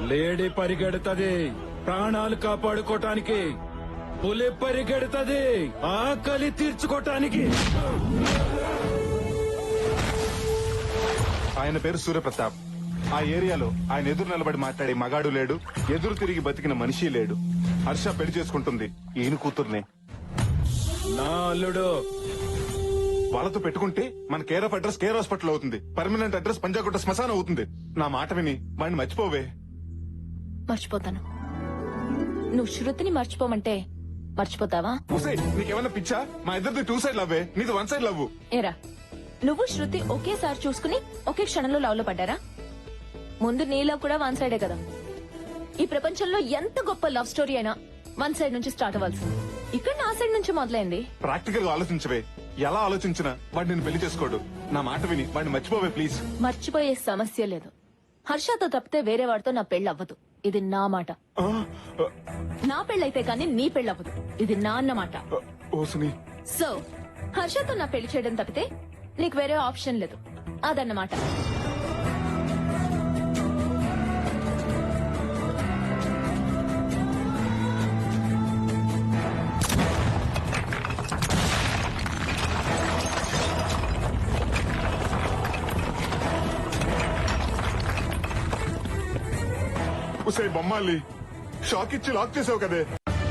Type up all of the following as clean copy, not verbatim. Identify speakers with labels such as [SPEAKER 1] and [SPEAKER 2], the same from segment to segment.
[SPEAKER 1] Lady పరిగెడుతుంది ప్రాణాలు కాపాడుకోటానికి, పులి పరిగెడుతుంది ఆకలి తీర్చుకోటానికి.
[SPEAKER 2] ఆయన పేరు సూర్యప్రతాప్. ఆ ఏరియాలో ఆయన ఎదురు నిలబడి మాట్లాడే మగాడు లేడు, ఎదురు తిరిగి బతికిన మనిషి లేడు. హర్ష పెళ్లి చేసుకుంటుంది ఈయన కూతుర్నే.
[SPEAKER 1] నా అల్లుడు
[SPEAKER 2] వాళ్ళతో పెట్టుకుంటే మన care of address care hospital అవుతుంది, పర్మనెంట్ అడ్రస్ పంజాగుట్ట శ్మశానం అవుతుంది. నా మాట విని వాడిని మర్చిపోవే.
[SPEAKER 3] మర్చిపోతాను. నువ్వు శృతిని మర్చిపోమంటే మర్చిపోతావా?
[SPEAKER 2] నీకేమన్నా పిచ్చా? మా ఇద్దరిది 2 సైడ్ లవ్వే, నీది 1 సైడ్ లవ్.
[SPEAKER 3] ఏరా, నువ్వు శృతి ఒకేసారి చూసుకుని ఒకే క్షణంలో లవ్ లో పడ్డారా? ముందు నీ లవ్ కూడా 1 సైడే కదా. ఈ ప్రపంచంలో ఎంత గొప్ప లవ్ స్టోరీ అయినా 1 సైడ్ నుంచి స్టార్ట్ అవ్వాల్సింది. ఇక్కడ నా సైడ్ నుంచి మొదలైంది.
[SPEAKER 2] ప్రాక్టికల్ గా ఆలోచించవే. ఎలా ఆలోచించినా వాడు నేను పెళ్లి చేసుకోడు. నా మాట విని వాడిని మర్చిపోవే ప్లీజ్.
[SPEAKER 3] మర్చిపోయే సమస్య లేదు. హర్షతో తప్పితే వేరే వాడితో నా పెళ్లి అవ్వదు. ఇది నా మాట. నా పెళ్ళైతే కానీ నీ పెళ్లి అవ్వదు. ఇది నా అన్నమాట. సో హర్షతో నా పెళ్లి చేయడం తప్పితే నీకు వేరే ఆప్షన్ లేదు. అదన్నమాట.
[SPEAKER 2] ఉసే బొమ్మాలి, షాక్ ఇచ్చి లాక్ చేసావు కదే.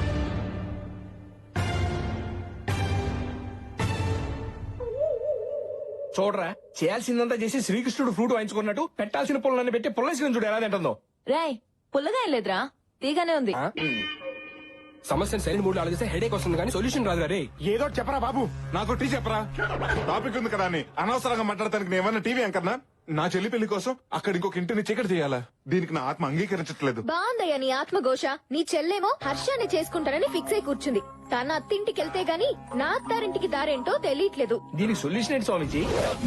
[SPEAKER 4] చూడరా, చేయాల్సిందంతా చేసి శ్రీకృష్ణుడు ఫ్రూట్ వాయించుకున్నట్టు పెట్టాల్సిన పుల్లన్ని పెట్టి పుల్లేసిన చూడు ఎలా తింటుందో.
[SPEAKER 3] రాయ్, పుల్లగా ఏం లేదురా, తీగానే ఉంది.
[SPEAKER 4] సమస్యను సరైన మూడు ఆలోచిస్తే హెడేక్ వస్తుంది కానీ సొల్యూషన్ రాదు. రే
[SPEAKER 2] ఏదో చెప్పరా బాబు, నాకు టీ చెప్పరా. టాపిక్ ఉంది కదా అని అనవసరంగా మాట్లాడటానికి నేమన్నా టీవీ అంకర్నా? నా చెల్లి పెళ్లి కోసం అక్కడ ఇంకొక ఇంటిని చీకటి చేయాలా? దీనికి నా ఆత్మ అంగీకరించట్లేదు.
[SPEAKER 5] బాగుందయ్యా నీ ఆత్మఘోష. నీ చెల్లేమో హర్షాన్ని చేసుకుంటానని ఫిక్స్ అయి కూర్చుంది. తన అత్తింటికి వెళ్తే గాని నా అత్తారింటికి దారేంటో తెలియట్లేదు.
[SPEAKER 4] దీనికి సొల్యూషన్ ఏంటి స్వామిజీ?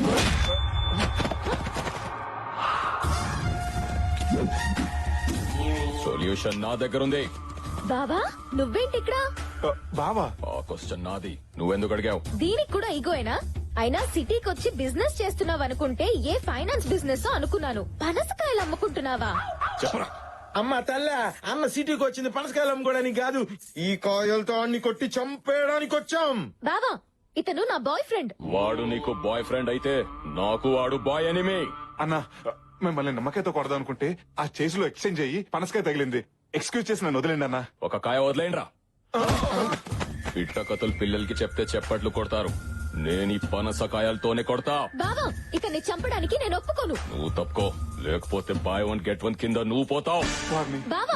[SPEAKER 6] సొల్యూషన్ నా దగ్గర ఉంది.
[SPEAKER 5] బావా, నువ్వేంటి ఇక్కడ?
[SPEAKER 2] బావా,
[SPEAKER 6] ఆ క్వశ్చన్ నాది, నువ్వెందుకు అడిగావు?
[SPEAKER 5] దీనికి కూడా ఈగోయేనా? అయినా సిటీకి వచ్చి బిజినెస్ చేస్తున్నావు అనుకుంటే ఏ ఫైనాన్స్ బిజినెస్ అనుకున్నాను. పనసకాయలు అమ్ముకుంటున్నావా?
[SPEAKER 6] చెప్పరా.
[SPEAKER 7] అమ్మ తల్ల, అన్న సిటీకి వచ్చింది పనసకాయలు అమ్ముకోవడానికి కాదు, ఈ కాయలతో అన్ని కొట్టి చంపేయడానికి వచ్చాం.
[SPEAKER 5] బావా, ఇతను నా బాయ్ ఫ్రెండ్.
[SPEAKER 6] వాడు నీకు బాయ్ ఫ్రెండ్ అయితే నాకు వాడు బాయ్ ఎనిమి.
[SPEAKER 2] అన్నా మిమ్మల్ని నమ్మకాయతో కొడదాం అనుకుంటే ఆ చేతిలో ఎక్స్చేంజ్ అయ్యి పనసకాయ తగిలింది. ఎక్స్క్యూజ్ చేసి నన్ను వదిలేండి అన్నా.
[SPEAKER 6] ఒక కాయ వదిలేండ్రా. ఇట్ట కథలు పిల్లలకి చెప్తే చెప్పట్లు కొడతారు. నేను ఈ పనసకాయలతోనే కొడతా.
[SPEAKER 5] బావా, ఇతన్ని చంపడానికి నేను ఒప్పుకోను.
[SPEAKER 6] నువ్వు తప్పుకో, లేకపోతే బాయ్ 1 గెట్ 1 కింద నువ్వు పోతావు.
[SPEAKER 5] బావా,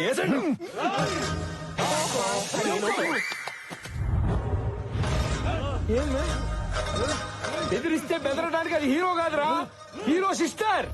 [SPEAKER 4] బెదిరిస్తే బెదరడానికి అది హీరో కాదురా, హీరో సిస్టర్.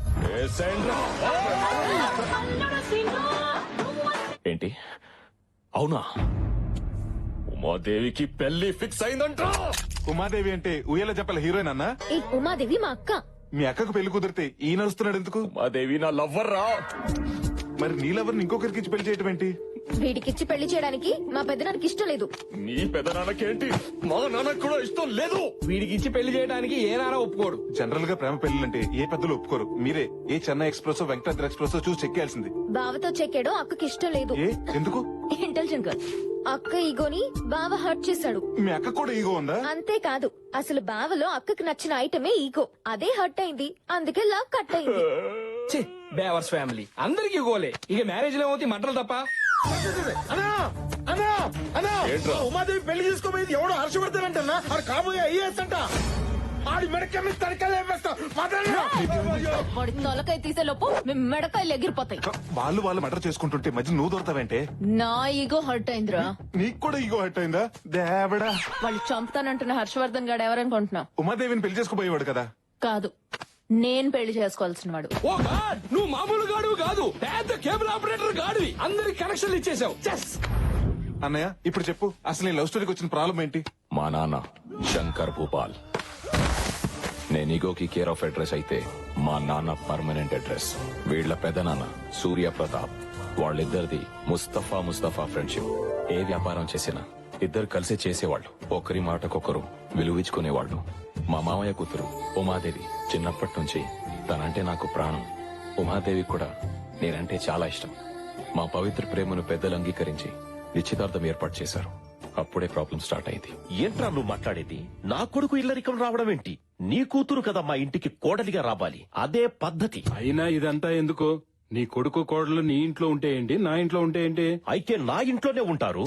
[SPEAKER 6] ఏంటి? అవునా? ఉమాదేవికి పెళ్లి ఫిక్స్ అయిందంట.
[SPEAKER 2] ఉమాదేవి అంటే ఉయ్యాల చెప్పల హీరోయిన్ అన్నా?
[SPEAKER 5] ఈ ఉమాదేవి మా అక్క.
[SPEAKER 2] మీ అక్కకు పెళ్లి కుదిరితే ఈ నడుస్తున్నాడు ఎందుకు?
[SPEAKER 6] ఉమాదేవి నా లవ్వర్ రా.
[SPEAKER 2] మరి నీ లవర్ని ఇంకొకరికి ఇచ్చి పెళ్లి చేయటం ఏంటి?
[SPEAKER 5] వీడికిచ్చి పెళ్లి చేయడానికి మా పెద్దనానికి ఇష్టం లేదు.
[SPEAKER 6] నీ పెదనాన్నకేంటి? మా నాన్నకు కూడా ఇష్టం లేదు.
[SPEAKER 4] వీడికి ఇచ్చి పెళ్లి చేయడానికి ఏ నారా ఒప్పుకోడు.
[SPEAKER 2] జనరల్ గా ప్రేమ పెళ్లిలంటే ఏ పెద్దలు ఒప్పుకోరు. మీరే ఏ చెన్నై ఎక్స్ప్రెస్ వెంకటాద్రి ఎక్స్ప్రెస్ చూసి చెక్కేయాల్సింది.
[SPEAKER 5] బావతో చెక్కాడో అక్కకి ఇష్టం లేదు.
[SPEAKER 2] ఏ ఎందుకు?
[SPEAKER 3] Intelligent girl.
[SPEAKER 5] అక్క ఈగోని బావ హర్ట్ చేశాడు.
[SPEAKER 2] మీ అక్క కూడా ఈగో ఉందా?
[SPEAKER 5] అంతేకాదు, అసలు బావలో అక్కకి నచ్చిన ఐటమే ఈగో. అదే హర్ట్ అయింది, అందుకే లవ్ కట్ అయింది.
[SPEAKER 4] బేవర్స్ ఫ్యామిలీ అందరికి గోలే. ఇక మ్యారేజ్ లో ఏమవుతాయి మంటలు తప్ప.
[SPEAKER 7] అన్నా అన్నా అన్నా,
[SPEAKER 6] ఏంట్రా?
[SPEAKER 7] ఉమాదేవి పెళ్లి చేసుకోబోయేది ఎవడో హర్షపడతానంటన్నా. ఆడు కాబోయే ఐఏఎస్ అంట. ఆడి మెడకమ్మి తడకలు వేస్తా.
[SPEAKER 3] వాడి తొలకాయ తీసే లోపు మీ మెడకాయలు ఎగిరిపోతాయి.
[SPEAKER 2] వాళ్ళు మర్డర్ చేసుకుంటుంటే మధ్య నువ్వు దొరతావంటే?
[SPEAKER 3] నా ఈగో హర్ట్ అయిందిరా.
[SPEAKER 2] నీకు కూడా ఈగో హర్ట్ అయిందా? దేవడా,
[SPEAKER 3] వాళ్ళు చంపుతానంటున్న హర్షవర్ధన్ గాడు ఎవరనుకుంటున్నావు?
[SPEAKER 2] ఉమాదేవిని పెళ్లి చేసుకోబోయేవాడు కదా?
[SPEAKER 3] కాదు, నేను పెళ్లి చేసుకోవాల్సిన వాడు.
[SPEAKER 4] ఓ గాడ్, నువ్వు మామూలు గాడు కాదు, పెద్ద కేబుల్ ఆపరేటర్ గాడివి. అందరికి కనెక్షన్లు ఇచ్చేసావు.
[SPEAKER 2] అన్నయ్య ఇప్పుడు చెప్పు, అసలు ఈ లవ్ స్టోరీకి వచ్చిన ప్రాబ్లం ఏంటి?
[SPEAKER 6] మా నాన్న శంకర్ భూపాల్. నేను ఈగోకి కేర్ ఆఫ్ అడ్రస్ అయితే మా నాన్న పర్మనెంట్ అడ్రస్. వీళ్ల పెదనాన్న సూర్య ప్రతాప్. వాళ్ళిద్దరిది ముస్తఫా ఫ్రెండ్షిప్. ఏ వ్యాపారం చేసినా ఇద్దరు కలిసి చేసేవాళ్ళు. ఒకరి మాటకొకరు విలువించుకునేవాళ్ళు. మా మామయ్య కూతురు ఉమాదేవి చిన్నప్పటి నుంచి తనంటే నాకు ప్రాణం. ఉమాదేవి కూడా నేనంటే చాలా ఇష్టం. మా పవిత్ర ప్రేమను పెద్దలు అంగీకరించి నిశ్చితార్థం ఏర్పాటు చేశారు. అప్పుడే ప్రాబ్లం స్టార్ట్ అయింది.
[SPEAKER 8] ఏంట్రా నువ్వు మాట్లాడేది? నా కొడుకు ఇల్లరికం రావడం ఏంటి? నీ కూతురు కదా మా ఇంటికి కోడలిగా రావాలి, అదే పద్ధతి.
[SPEAKER 1] అయినా ఇదంతా ఎందుకు? నీ కొడుకు కోడలు నీ ఇంట్లో ఉంటే ఏంటి, నా ఇంట్లో ఉంటే ఏంటి?
[SPEAKER 8] అయితే నా ఇంట్లోనే ఉంటారు.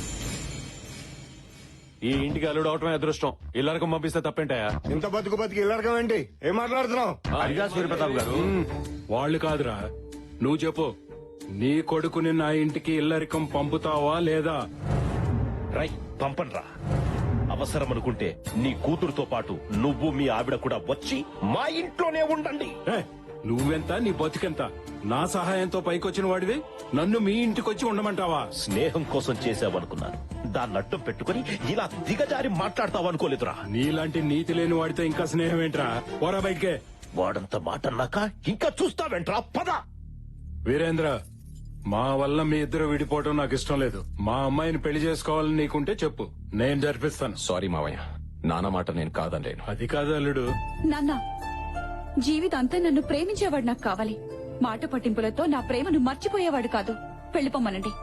[SPEAKER 9] ఈ ఇంటికి అల్లుడు అవటమే అదృష్టం. ఇల్లరకం పంపిస్తే తప్పేంటాయా?
[SPEAKER 7] ఇంత బతుకు ఇల్లరకం ఏంటి? ఏం మాట్లాడుతున్నావు?
[SPEAKER 9] అడిగా సూర్యప్రతాప్ గారు.
[SPEAKER 1] వాళ్ళు కాదురా, నువ్వు చెప్పు. నీ కొడుకుని నా ఇంటికి ఇల్లరికం పంపుతావా లేదా?
[SPEAKER 8] రై పంపన్రా. అవసరం అనుకుంటే నీ కూతురుతో పాటు నువ్వు మీ ఆవిడ కూడా వచ్చి మా ఇంట్లోనే ఉండండి.
[SPEAKER 1] ఏ, నువ్వెంత, నీ బతుకెంత? నా సహాయంతో పైకొచ్చిన వాడివి నన్ను మీ ఇంటికొచ్చి ఉండమంటావా?
[SPEAKER 8] స్నేహం కోసం చేసావనుకున్నాను, దాన్ని అడ్డం పెట్టుకుని ఇలా దిగజారి మాట్లాడతావనుకోలేదురా.
[SPEAKER 1] నీలాంటి నీతి లేని వాడితో ఇంకా స్నేహం ఏంట్రా? పోరా బయటికే.
[SPEAKER 8] వాడంత మాట అన్నాక ఇంకా చూస్తావేంట్రా? పద.
[SPEAKER 1] వీరేంద్ర, మా వల్ల మీ ఇద్దరు విడిపోవడం నాకు ఇష్టం లేదు. మా అమ్మాయిని పెళ్లి చేసుకోవాలని నీకుంటే చెప్పు, నేను జరిపిస్తాను.
[SPEAKER 6] సారీ మావయ్య, నాన్న మాట నేను కాదనలేను.
[SPEAKER 1] అది కాదు అల్లుడు.
[SPEAKER 10] నాన్న, జీవితాంతా నన్ను ప్రేమించేవాడు నాకు కావాలి. మాట పట్టింపులతో నా ప్రేమను మర్చిపోయేవాడు కాదు. వెళ్ళిపోమ్మనండి.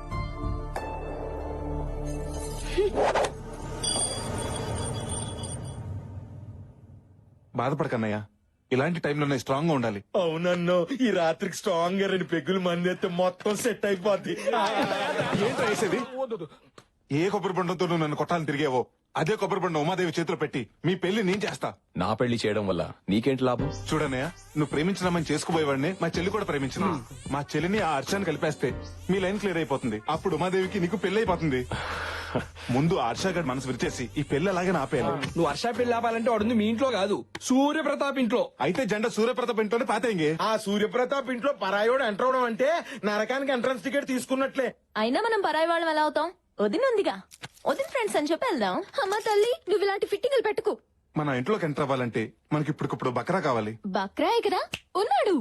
[SPEAKER 2] బాధపడకన్నయ్య, ఇలాంటి టైంలోనే స్ట్రాంగ్ గా ఉండాలి.
[SPEAKER 7] అవునన్నో, ఈ రాత్రికి స్ట్రాంగ్ గా 2 పెగ్గులు మంది అయితే మొత్తం సెట్ అయిపోద్ది.
[SPEAKER 2] ఏంట్రా వేసేది? ఏ కొబ్బరి బండంతో నువ్వు నన్ను కొట్టాలని తిరిగేవో అదే కొబ్బరి బండం ఉమాదేవి చేతిలో పెట్టి మీ పెళ్లి నేను చేస్తా.
[SPEAKER 6] నా పెళ్లి చేయడం వల్ల నీకేంటి లాభం?
[SPEAKER 2] చూడన్నయ్య, నువ్వు ప్రేమించినామని చేసుకుపోయేవాడిని మా చెల్లి కూడా ప్రేమించింది. మా చెల్లిని ఆ హర్షాన్ని కలిపేస్తే మీ లైన్ క్లియర్ అయిపోతుంది. అప్పుడు ఉమాదేవికి నీకు పెళ్లి అయిపోతుంది. ముందు ఆ హర్షగాడి మనసు విరిచేసి ఈ పెళ్లి అలాగే ఆపేయాలి.
[SPEAKER 4] నువ్వు వర్ష పెళ్లి ఆపాలంటే వాడుంది మీ ఇంట్లో కాదు, సూర్యప్రతాప్ ఇంట్లో.
[SPEAKER 2] అయితే జెండా సూర్యప్రతాప్ ఇంట్లోనే పాతేంగే.
[SPEAKER 7] ఆ సూర్యప్రతాప్ ఇంట్లో పరాయోడు ఎంటర్ అవడం అంటే నరకానికి ఎంట్రన్స్ టికెట్ తీసుకున్నట్లే.
[SPEAKER 3] అయినా మనం పరాయి వాళ్ళం ఎలా అవుతాం? వదినుందిగా, వదిన ఫ్రెండ్స్ అని చెప్పి వెళ్దాం.
[SPEAKER 5] అమ్మ తల్లి, నువ్వు ఇలాంటి ఫిట్టింగ్లు పెట్టుకు.
[SPEAKER 2] మన ఇంట్లోకి ఎంటర్ అవ్వాలంటే మనకి ఇప్పటికిప్పుడు బకరా కావాలి.
[SPEAKER 3] బక్రాయ్ కదా ఉన్నాడు.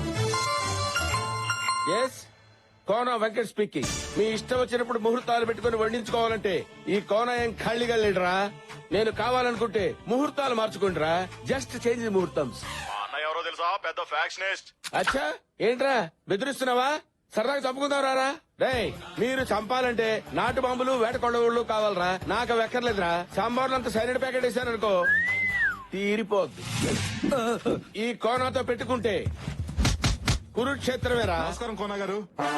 [SPEAKER 7] Yes, Kona Venkat speaking. మీ ఇష్టం వచ్చినప్పుడు ముహూర్తాలు పెట్టుకుని వండించుకోవాలంటే ఈ కోన ఏం ఖాళీగా లేడురా. నేను కావాలనుకుంటే ముహూర్తాలు మార్చుకుంటారా. జస్ట్ చేంజ్ ముహూర్తం.
[SPEAKER 9] ఎవరో తెలుసా? పెద్ద ఫ్యాక్షనిస్ట్.
[SPEAKER 7] అచ్చా, ఏంట్రా బెదిరిస్తున్నావా? సరదాగా చంపుకుందాం రారా. రేయ్, మీరు చంపాలంటే నాటు బాంబులు వేట కొడవుళ్ళు కావాలరా. నాకు అవి ఎక్కర్లేదురా. సాంబార్లు అంత సైనిడ్ ప్యాకెట్ వేసారనుకో తీరిపోద్ది. ఈ కోనాతో పెట్టుకుంటే కురుక్షేత్రమేరా.
[SPEAKER 2] నమస్కారం కోన గారు.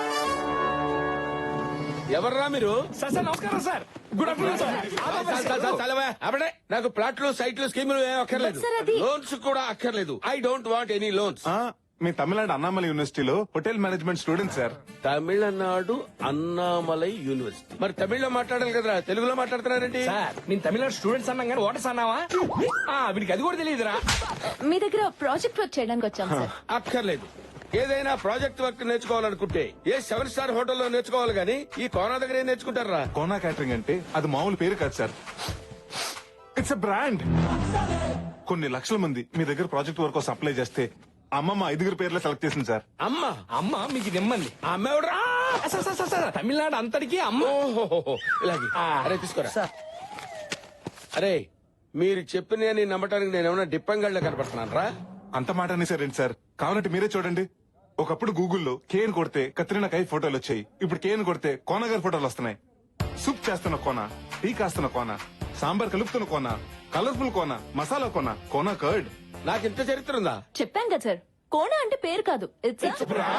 [SPEAKER 4] ఎవర్రా మీరు? సార్ నమస్కారం సార్. Good afternoon sir.
[SPEAKER 7] చలవా అప్పుడే. నాకు ప్లాట్లు, సైట్లు, స్కీములు ఏం అక్కర్లేదు.
[SPEAKER 3] సార్, అది-
[SPEAKER 7] లోన్స్ కూడా అక్కర్లేదు. I don't want any loans.
[SPEAKER 2] మీ తమిళనాడు అన్నామలై యూనివర్సిటీలో hotel management student sir.
[SPEAKER 7] Tamil Nadu Annamalai university. మరి తమిళ్లో మాట్లాడాలి కదరా, తెలుగులో మాట్లాడుతున్నారండి.
[SPEAKER 4] సార్, నేను తమిళనాడు స్టూడెంట్స్ అన్నాం కానీ ఓటర్స్ అన్నావా? వీడికి అది కూడా తెలియదురా.
[SPEAKER 3] మీ దగ్గర ప్రాజెక్ట్ వర్క్ చేయడానికి వచ్చాం సార్.
[SPEAKER 7] అక్కర్లేదు. ఏదైనా ప్రాజెక్ట్ వర్క్ నేర్చుకోవాలనుకుంటే ఏ 7 స్టార్ హోటల్లో నేర్చుకోవాలి గానీ ఈ కోనా దగ్గర ఏం నేర్చుకుంటారా?
[SPEAKER 2] కోనా క్యాటరింగ్ అంటే అది మామూలు పేరు కాదు సార్, ఇట్స్ ఎ బ్రాండ్. కొన్ని లక్షల మంది మీ దగ్గర ప్రాజెక్ట్ వర్క్ కోసం అప్లై చేస్తే అమ్మమ్మ 5 పేర్లే సెలెక్ట్ చేసింది సార్.
[SPEAKER 4] అమ్మ మీకు నిమ్మంది.
[SPEAKER 7] ఆ అమ్మ ఎవడురా?
[SPEAKER 4] సార్, తమిళనాడు అంతటికి అమ్మ.
[SPEAKER 7] ఓహోహోహో, ఇలాగే. అరే తీసుకోరా. అరే, మీరు చెప్పిన నమ్మటానికి నేనేమన్నా డిప్పంగళ్ళ కనపడుతున్నాను రా.
[SPEAKER 2] అంత మాట అనేసారండి సార్. కావాలంటే మీరే చూడండి. ఒకప్పుడు గూగుల్లో కేన్ కొడితే కత్రినా కైఫ్ ఫోటోలు వచ్చాయి. ఇప్పుడు కేన్ కొడితే కోన గారి ఫోటోలు వస్తున్నాయి. సూప్ చేస్తున్న కోన, టీ కాస్తున్న కోన, సాంబార్ కలుపుతున్న కోన, కలర్ఫుల్ కోన, మసాలా కోన, కోన కర్డ్.
[SPEAKER 7] నాకు ఇంత చరిత్ర ఉందా?
[SPEAKER 3] చెప్పాం కదా సార్, కోణ అంటే పేరు కాదు, ఇట్స్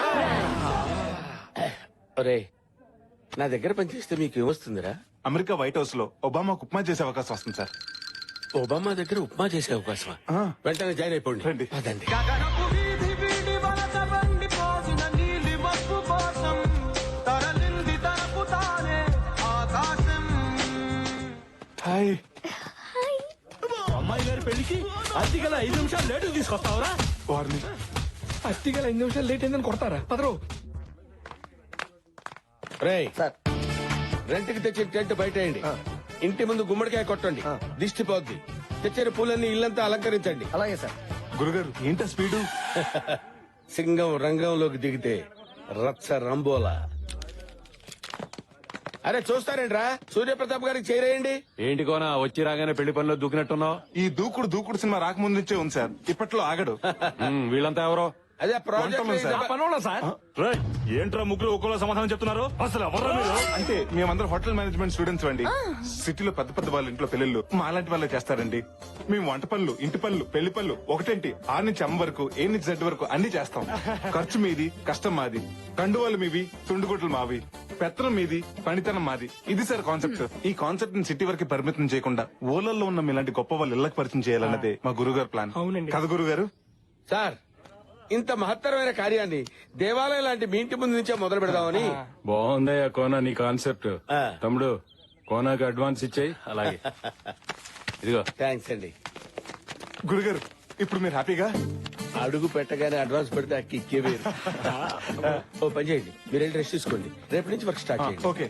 [SPEAKER 7] ఒరే, నా దగ్గర పనిచేస్తే మీకు ఏమొస్తుందిరా?
[SPEAKER 2] అమెరికా వైట్ హౌస్ లో ఒబామాకు ఉప్మా చేసే అవకాశం వస్తుంది సార్.
[SPEAKER 7] ఒబామా దగ్గర ఉప్మా చేసే అవకాశమా? వెంటనే జాయిన్ అయిపోండి.
[SPEAKER 2] రండి.
[SPEAKER 7] అదండి.
[SPEAKER 2] హాయ్.
[SPEAKER 8] అమ్మాయి గారి పెళ్లికి అతిగల 5 నిమిషాలు లేటు తీసుకొస్తావురా?
[SPEAKER 2] వారిని
[SPEAKER 4] అత్తిగా 5 నిమిషాలు లేట్ అయిందని కొడతారా? పదరు.
[SPEAKER 7] రేయ్, రెంట్కి తెచ్చిన టెంట్ బయటేయండి. ఇంటి ముందు గుమ్మడికాయ కొట్టండి, దిష్టి పోద్ది. తెచ్చిన పూలన్నీ ఇల్లంతా అలంకరించండి.
[SPEAKER 4] అలాగే సార్.
[SPEAKER 2] గురుగారు ఏంటా స్పీడు?
[SPEAKER 7] సింగం రంగంలోకి దిగితే రచ్చ రంబోలా. అరే చూస్తారేంట్రా, సూర్యప్రతాప్ గారికి చేరేయండి.
[SPEAKER 9] ఏంటి కోనా వచ్చి రాగానే పెళ్లి పనిలో దూకినట్టున్నావు?
[SPEAKER 2] ఈ దూకుడు సినిమా రాకముందు నుంచే ఉంది సార్. ఇప్పట్లో ఆగడు.
[SPEAKER 9] వీళ్ళంతా ఎవరో?
[SPEAKER 7] అదే
[SPEAKER 2] వంటలు సార్.
[SPEAKER 7] ప్రాజెక్ట్
[SPEAKER 4] పనున్నా సార్
[SPEAKER 8] రేయ్, ఏంట్రా ముగ్గురు ఒక్కోలా సమాధానం చెప్తున్నారు అసలు ఎవర్రా మీరు
[SPEAKER 2] అంటే మేమందరం హోటల్ మేనేజ్మెంట్ స్టూడెంట్స్ అండి సిటీలో పెద్ద పెద్ద వాళ్ళ ఇంట్లో పెళ్ళిళ్ళు మా లాంటి వాళ్ళే చేస్తారండి మేము వంట పనులు ఇంటి పనులు పెళ్లి పనులు ఒకటేంటి 6 నుంచి అమ్మ వరకు ఏ నుంచి జెడ్ వరకు అన్ని చేస్తాం ఖర్చు మీది కష్టం మాది కండువాలు మీవి తుండుగుట్లు మావి పెత్తనం మీది పనితనం మాది ఇది సార్ కాన్సెప్ట్ ఈ కాన్సెప్ట్ ని సిటీ వరకు పరిమితం చేయకుండా ఊళ్ళల్లో ఉన్న మీలాంటి గొప్ప వాళ్ళు ఇళ్లకు పరిచయం చేయాలన్నదే మా గురుగారు ప్లాన్
[SPEAKER 4] అవునండి.
[SPEAKER 2] కదా గురుగారు
[SPEAKER 7] సార్ ఇంత మహత్తరమైన కార్యాన్ని దేవాలయం లాంటి మీ ఇంటి ముందు నుంచే మొదలు పెడదామని
[SPEAKER 1] బాగుందయ్యా కోనా నీ కాన్సెప్ట్
[SPEAKER 7] ఆ.
[SPEAKER 1] తమ్ముడు కోనాకి అడ్వాన్స్ ఇచ్చేయి అలాగే ఇదిగో
[SPEAKER 7] థ్యాంక్స్ అండి.
[SPEAKER 2] గురుగారు ఇప్పుడు మీరు హ్యాపీగా
[SPEAKER 7] అడుగు పెట్టగానే అడ్వాన్స్ పెడితే ఆ కిక్కే వేరు. ఓ పని చేయండి, మీరు వెళ్ళి రెస్ట్ తీసుకోండి, రేపు నుంచి వర్క్ స్టార్ట్ చేయండి.
[SPEAKER 2] ఓకే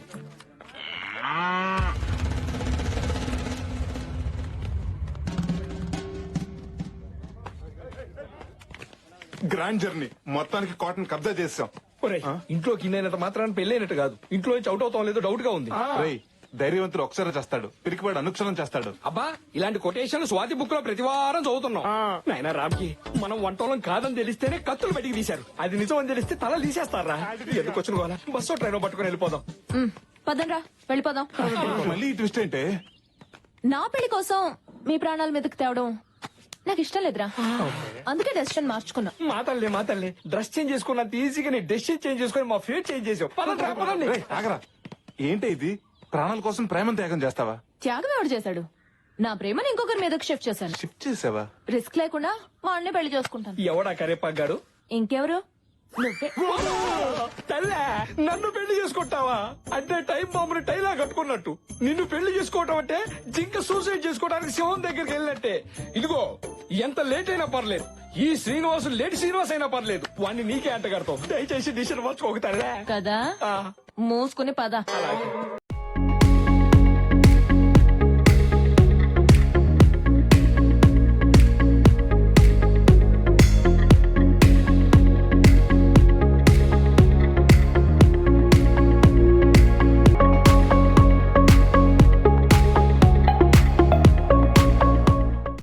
[SPEAKER 2] గ్రాండ్ జర్నీ మొత్తానికి కాటన్ కబ్జా చేసాం
[SPEAKER 4] ఒరేయ్, ఇంట్లోకి ఇన్నైనంత మాత్రాన్ని పెళ్ళైనట్టు కాదు, ఇంట్లో నుంచి అవుట్ అవుతాం లేదో డౌట్ గా ఉంది.
[SPEAKER 2] రేయ్ ధైర్యవంతుడు ఒకసారి చేస్తాడు పిరికివాడు అనుక్షణం చేస్తాడు
[SPEAKER 4] అబ్బా ఇలాంటి కొటేషన్ స్వాతి బుక్ లో ప్రతి వారం చదువుతున్నాం. నాయనా రామ్కి మనం వంటోళం కాదని తెలిస్తేనే కత్తులు బయటికి తీశారు, అది నిజం అని తెలిస్తే తల తీసేస్తారా? ఎందుకు వచ్చిన వాళ్ళ బస్సు ట్రైన్ పట్టుకుని వెళ్ళిపోదాం.
[SPEAKER 3] పదండ్రా వెళ్ళిపోదాం.
[SPEAKER 2] మళ్ళీ ఈ ట్విస్ట్ ఏంటే
[SPEAKER 3] నా పెళ్లి కోసం మీ ప్రాణాల మీదకి తేవడం నాకు ఇష్టం లేదురా, అందుకే డెసిషన్ మార్చుకున్నా.
[SPEAKER 4] మా తల్లి డ్రెస్ చేంజ్ చేసుకున్నంత ఈజీగా నీ డెసిషన్ చేంజ్ చేసుకుని మా ఫేట్ చేంజ్ చేసావు. పదండి, పదండి.
[SPEAKER 2] రేయ్, ఆగరా ఏంటి ఇది ప్రాణాల కోసం ప్రేమను త్యాగం చేస్తావా
[SPEAKER 3] త్యాగం ఎవడు చేశాడు? నా ప్రేమను ఇంకొకరి మీదకి షిఫ్ట్ చేశాను.
[SPEAKER 2] షిఫ్ట్ చేసావా
[SPEAKER 3] రిస్క్ లేకుండా వాడిని పెళ్లి చేసుకుంటాను.
[SPEAKER 4] ఎవడా కరేపాగాడు?
[SPEAKER 3] ఇంకెవరు? నువ్వే.
[SPEAKER 4] తల్లే నన్ను పెళ్లి చేసుకుంటావా? అంటే టైం బాంబుని టైలా కట్టుకున్నట్టు నిన్ను పెళ్లి చేసుకోవటం అంటే జింక సూసైడ్ చేసుకోవడానికి శివం దగ్గరికి వెళ్ళినట్టే. ఇదిగో ఎంత లేట్ అయినా పర్లేదు, ఈ శ్రీనివాసు లేట్ శ్రీనివాస్ అయినా పర్లేదు, వాడిని నీకే అంట కడతావు. దయచేసి డిసిషన్ మార్చుకోక తల్లే.
[SPEAKER 3] కదా మూసుకుని పద.